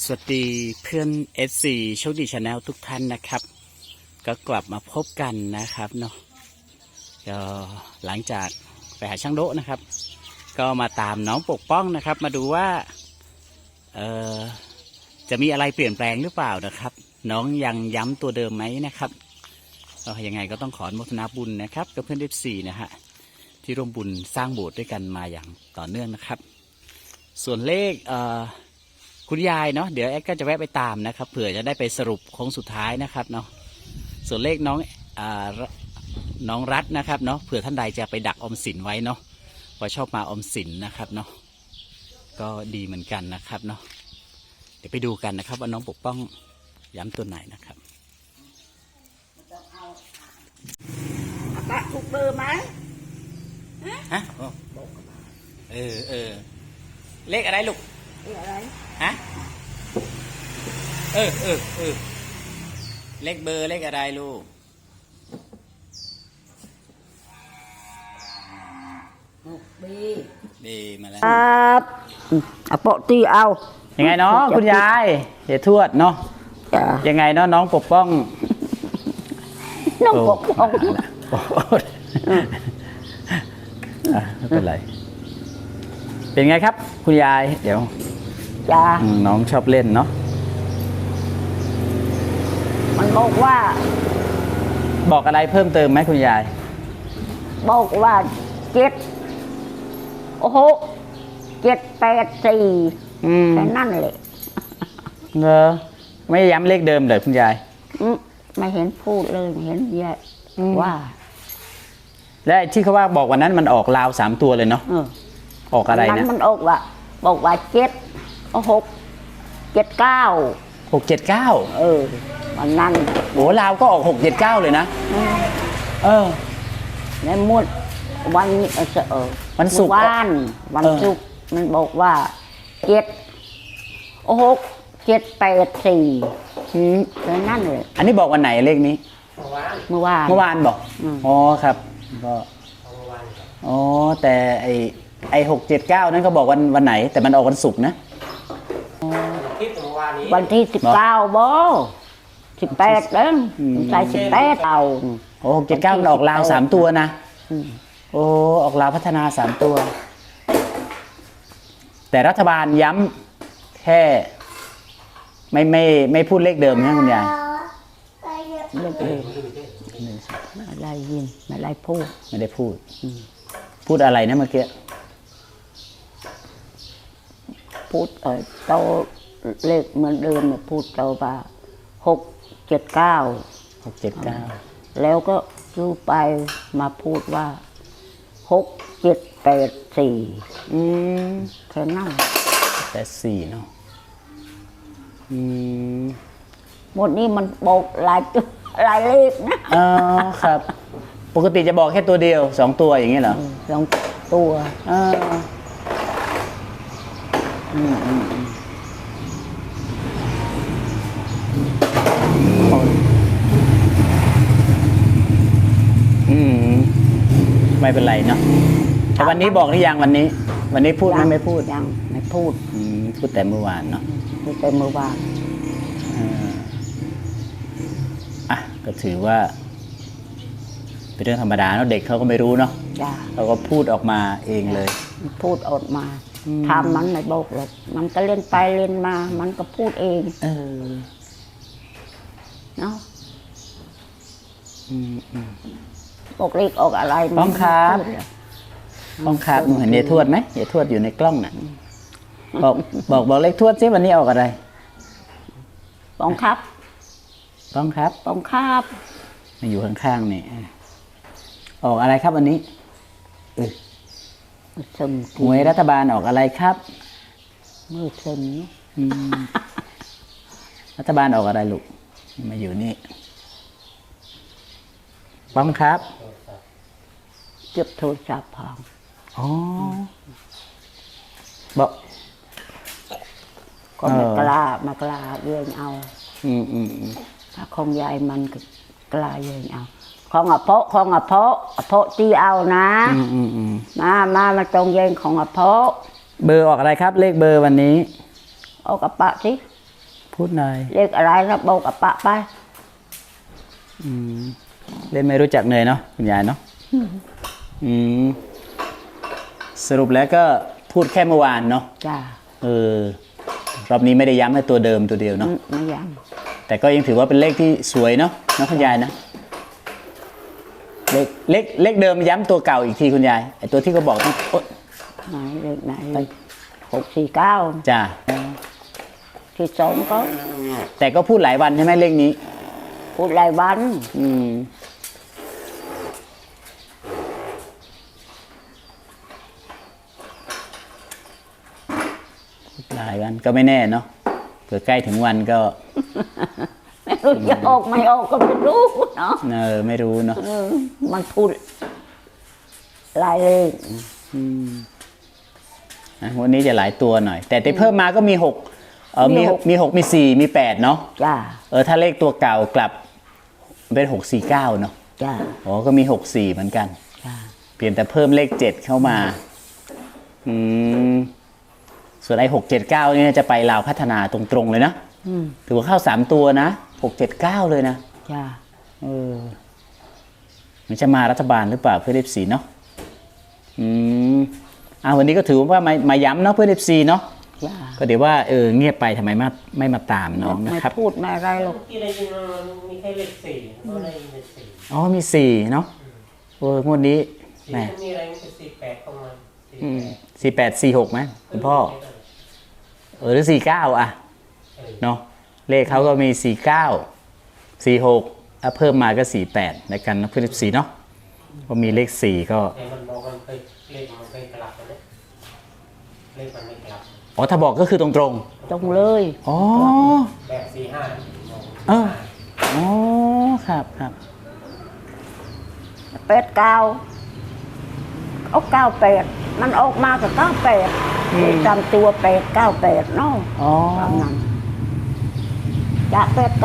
สวัสดีเพื่อน FC โชคดีชาแนลทุกท่านนะครับก็กลับมาพบกันนะครับเนาะก็หลังจากไปหาช่างโดะนะครับก็มาตามน้องปกป้องนะครับมาดูว่าจะมีอะไรเปลี่ยนแปลงหรือเปล่านะครับน้องยังย้ำตัวเดิมไหมนะครับก็ยังไงก็ต้องขออนุโมทนาบุญนะครับกับเพื่อน FC นะฮะที่ร่วมบุญสร้างโบสถ์ด้วยกันมาอย่างต่อเนื่องนะครับส่วนเลขคุณยายเนาะเดี๋ยวแอดก็จะแวะไปตามนะครับเผื่อจะได้ไปสรุปโค้งสุดท้ายนะครับเนาะส่วนเลขน้องรัฐนะครับเนาะเผื่อท่านใดจะไปดักออมสินไว้เนาะว่าชอบมาออมสินนะครับเนาะก็ดีเหมือนกันนะครับเนาะเดี๋ยวไปดูกันนะครับว่าน้องปกป้องย้ำตัวไหนนะครับปะถูกเบอร์ไหมฮะเลขอะไรลูกอะไรฮะเลขเบอร์เลขอะไรลูกบีมาแล้วครับเอาโปะตีเอายังไงเนาะคุณยายเดี๋ยวทวดเนาะยังไงเนาะน้องปกป้องน้องปกป้องไม่เป็นไรเป็นไงครับคุณยายเดี๋ยวจ้าน้องชอบเล่นเนาะมันบอกอะไรเพิ่มเติมไหมคุณยายบอกว่าโอ้โห784แค่นั่นเลยไม่ย้ำเลขเดิมเลยคุณยายไม่เห็นพูดเลยเห็นยายว่าและที่เขาว่าบอกวันนั้นมันออกลาว3 ตัวเลยเนาะออกอะไรนะมันบอกว่า679วันนั้นโอ้ลาวก็ออก679เลยนะในมุดวันวันศุกร์วันศุกร์มันบอกว่า784เลยนั่นเลยอันนี้บอกวันไหนเลขนี้เมื่อวานบอกอ๋อครับก็แต่ไอ้679นั้นก็บอกวันไหนแต่มันออกวันศุกร์นะวันที่19บ่18เด้อใส่18เอา 679มันออกลาว3 ตัวนะออกลาวพัฒนา3 ตัวแต่รัฐบาลย้ำแค่ไม่พูดเลขเดิมนะคุณยายอะไรยินไม่ได้พูดพูดอะไรนะเมื่อกี้พูดโตเลขเหมือนเดิมเนี่ยพูดโตว่า679แล้วก็รู้ไปมาพูดว่า6784แค่นั้น 84เนาะหมดนี้มันบอกหลายเลขนะครับปกติจะบอกแค่ตัวเดียว2 ตัวอย่างนี้เหรอ 2 ตัวไม่เป็นไรเนาะแต่วันนี้บอกหรือยังวันนี้พูดไม่พูดยังไม่พูดพูดแต่เมื่อวานเนาะพูดแต่เมื่อวานก็ถือว่าเป็นเรื่องธรรมดาเนาะเด็กเขาก็ไม่รู้เนาะเขาก็พูดออกมาเองเลยพูดออกมาทำมันไม่บอกหรอกมันก็เล่นไปเล่นมามันก็พูดเองเนาะบอกเลขออกอะไรป้องครับเห็นยายทวดไหมยายทวดอยู่ในกล้องน่ะบอกเลขทวดซิวันนี้ออกอะไรป้องครับมาอยู่ข้างๆนี่ออกอะไรครับวันนี้หวยรัฐบาลออกอะไรครับมือซึมรัฐบาลออกอะไรลูกมาอยู่นี่ป้องครับเก็บโทรศัพท์พังบอกก็มากล้าเยื่อเอาถ้าของยายมันก็กล้าเยื่อเอาของอภตีเอานะมาตรงเย็นของอภเบอร์ออกอะไรครับเลขเบอร์วันนี้เอากระปะสิพูดหน่อยเลขอะไรนะบอกกับปะไปเล่นไม่รู้จักเนยเนาะคุณยายเนาะสรุปแล้วก็พูดแค่เมื่อวานเนาะจ้ารอบนี้ไม่ได้ย้ำให้ตัวเดิมตัวเดียวเนาะไม่ยังแต่ก็ยังถือว่าเป็นเลขที่สวยเนาะคุณยายนะเลขเดิมย้ำตัวเก่าอีกทีคุณยายไอตัวที่เขาบอกต้องไหนเลขไหน649 จ้าที่สองก็แต่ก็พูดหลายวันใช่ไหมเลขนี้พูดหลายวันหลายวันก็ไม่แน่เนาะเผื่อใกล้ถึงวันก็จะออกไม่ออกก็ไม่รู้เนาะไม่รู้เนาะมันพูดหลายเลขวันนี้จะหลายตัวหน่อย แต่ที่เพิ่มมาก็มี6มี6มี4มี8เนาะจ้าถ้าเลขตัวเก่ากลับเป็น649เนาะจ้าก็มี64เหมือนกันจ้าเปลี่ยนแต่เพิ่มเลข7เข้ามาส่วนไอ้679นี่จะไปลาวพัฒนาตรงๆเลยนะถือว่าเข้า3ตัวนะ679เลยนะจ้ามันจะมารัฐบาลหรือเปล่าเพื่อFCเนาะวันนี้ก็ถือว่ามาย้ำเนาะเพื่อFCเนาะก็เดี๋ยวว่าเงียบไปทำไมไม่มาตามน้องนะครับไม่พูดไม่อะไรหรอกที่ได้ยินมีแค่เลข4ก็ได้ยินเลข 4มี4เนาะงวดนี้แหมมีอะไรมี48เข้ามา 48 46ไหมคุณพ่อหรือ49เนาะเลขเขาก็มี49 46เพิ่มมาก็48ในกันนะเพื่อน14เนาะพอมีเลข4ก็มันบอกมันเคยเลขมันเคยกลับนะเลขมันไม่กลับถ้าบอกก็คือตรงเลยแบบ45 ครับ 89เอา98มันออกมากับ98จำตัว898เนาะตามนั้นจะ89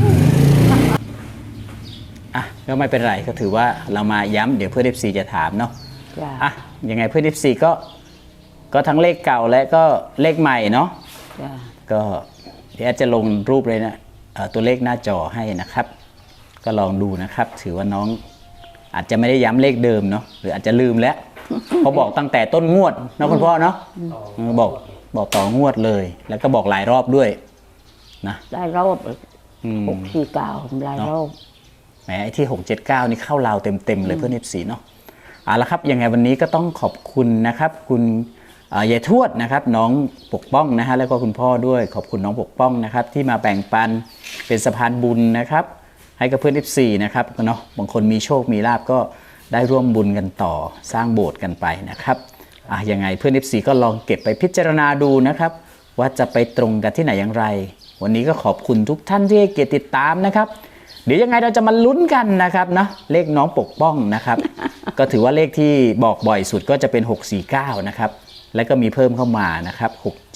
ก็ไม่เป็นไรก็ถือว่าเรามาย้ำเดี๋ยวเพื่อน FC จะถามเนาะยังไงเพื่อน FC ก็ทั้งเลขเก่าและก็เลขใหม่เนาะก็เดี๋ยวจะลงรูปเลยนะตัวเลขหน้าจอให้นะครับก็ลองดูนะครับถือว่าน้องอาจจะไม่ได้ย้ำเลขเดิมเนาะหรืออาจจะลืมแล้วเขาบอกตั้งแต่ต้นงวดนะคุณพ่อเนาะบอกต่องวดเลยแล้วก็บอกหลายรอบด้วยนะหลายรอบ649หลายรอบแหมไอ้ที่679นี่เข้าลาวเต็มเลยเพื่อน FC เนาะละครับยังไงวันนี้ก็ต้องขอบคุณนะครับคุณยายทวดนะครับน้องปกป้องนะฮะแล้วก็คุณพ่อด้วยขอบคุณน้องปกป้องนะครับที่มาแบ่งปันเป็นสะพานบุญนะครับให้กับเพื่อน FC นะครับเนาะบางคนมีโชคมีลาภก็ได้ร่วมบุญกันต่อสร้างโบสถ์กันไปนะครับยังไงเพื่อน FC ก็ลองเก็บไปพิจารณาดูนะครับว่าจะไปตรงกันที่ไหนอย่างไรวันนี้ก็ขอบคุณทุกท่านที่ให้เกียรติติดตามนะครับเดี๋ยวยังไงเราจะมาลุ้นกันนะครับนะเลขน้องปกป้องนะครับก็ถือว่าเลขที่บอกบ่อยสุดก็จะเป็น649นะครับแล้วก็มีเพิ่มเข้ามานะครับ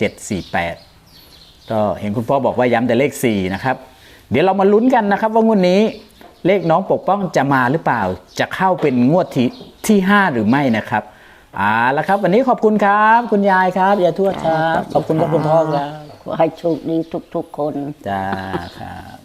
6748ก็เห็นคุณพ่อบอกว่าย้ำแต่เลข4นะครับเดี๋ยวเรามาลุ้นกันนะครับว่างวดนี้เลขน้องปกป้องจะมาหรือเปล่าจะเข้าเป็นงวดที่5หรือไม่นะครับแล้วครับวันนี้ขอบคุณครับคุณยายครับยายทวดครับขอบคุณครับคุณพ่อครับขอให้โชคดีทุกๆคนจ้าครับ